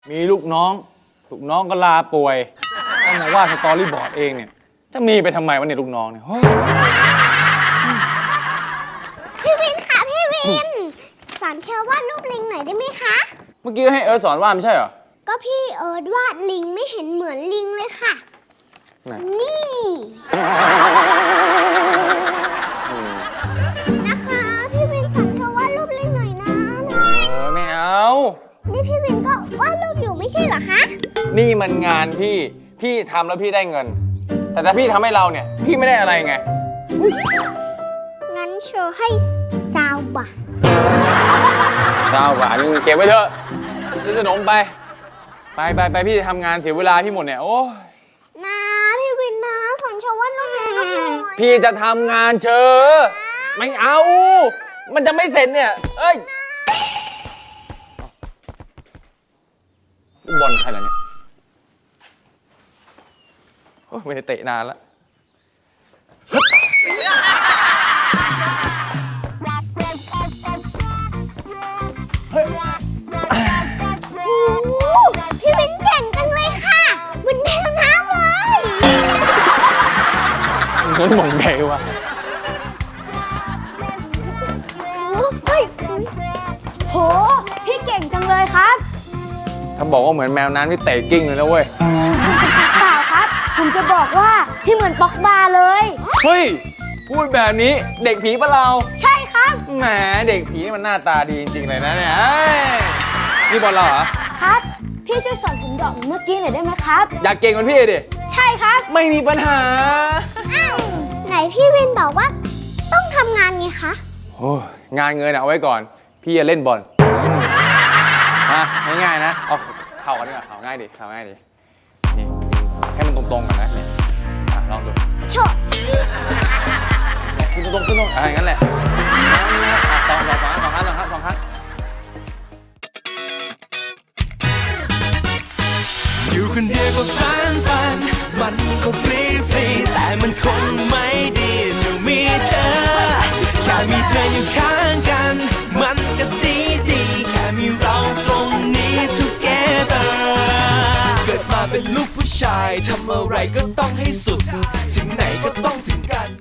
มีลูกน้องก็ลาป่วยต้องมาว่าสตอรี่บอร์ดเองเนี่ยจะมีไปทำไมวะเนี่ยลูกน้องเนี่ยพี่วินค่ะพี่วินสอนเชอวาดรูปลิงหน่อยได้ไหมคะเมื่อกี้ให้เอิร์ธสอนวาดไม่ใช่เหรอก็พี่เอิร์ธวาดลิงไม่เห็นเหมือนลิงเลยค่ะนี่นะคะพี่วินสอนเชอวาดรูปลิงหน่อยนะโอ้ยไม่เอานี่พี่วินก็วาดรูปอยู่ไม่ใช่เหรอคะนี่มันงานพี่ทำแล้วพี่ได้เงินแต่ถ้าพี่ทำให้เราเนี่ยพี่ไม่ได้อะไรไงงั้นเชอให้20 บาท 20 บาทนี่เก็บไว้เถอะซื้อขนมไปพี่จะทำงานเสียเวลาพี่หมดเนี่ยโอ้นะพี่วินนะสอนเชอวาดรูปลิงหน่อยพี่จะทำงานเชอไม่เอามันจะไม่เสร็จเนี่ยเอ้ยบอลใครล่ะเนี่ยไม่ได้เตะนานแล้วพี่วินเก่งจังเลยค่ะเหมือนแมวน้ำเลยงั้นมองไงวะโหพี่เก่งจังเลยครับถ้าบอกว่าเหมือนแมวน้ำนี่เตะกิ้งเลยนะเว้ยเปล่าครับผมจะบอกว่าพี่เหมือนป๊อกบาเลยเฮ้ยพูดแบบนี้เด็กผีปะเราใช่ครับแหมเด็กผีนี่มันหน้าตาดีจริงๆเลยนะเนี่ยนี่บอลเราเหรอครับพี่ช่วยสอนผมดอกเมื่อกี้หน่อยได้ไหมครับอยากเก่งเหมือนพี่ดิใช่ครับไม่มีปัญหาอ้าวไหนพี่วินบอกว่าต้องทำงานไงคะโอ้งานเงินเอาไว้ก่อนพี่จะเล่นบอลง่ายๆนะเอาเข่ากันดีกว่าเข่าง่ายดินี่ให้มันตรงๆกันนะนี่ลองดูโชว์ขึ้นตรงอย่างนั้นแหละสองครั้งอยู่คนเดียวก็ฟันมันก็ฟรีแต่มันคงไม่ดีจะมีเธอแค่มีเธออยู่ข้างกันมันก็ดีแค่มีเราตรงนี้ together เกิดมาเป็นลูกผู้ชายทำอะไรก็ต้องให้สุดถึงไหนก็ต้องถึงกัน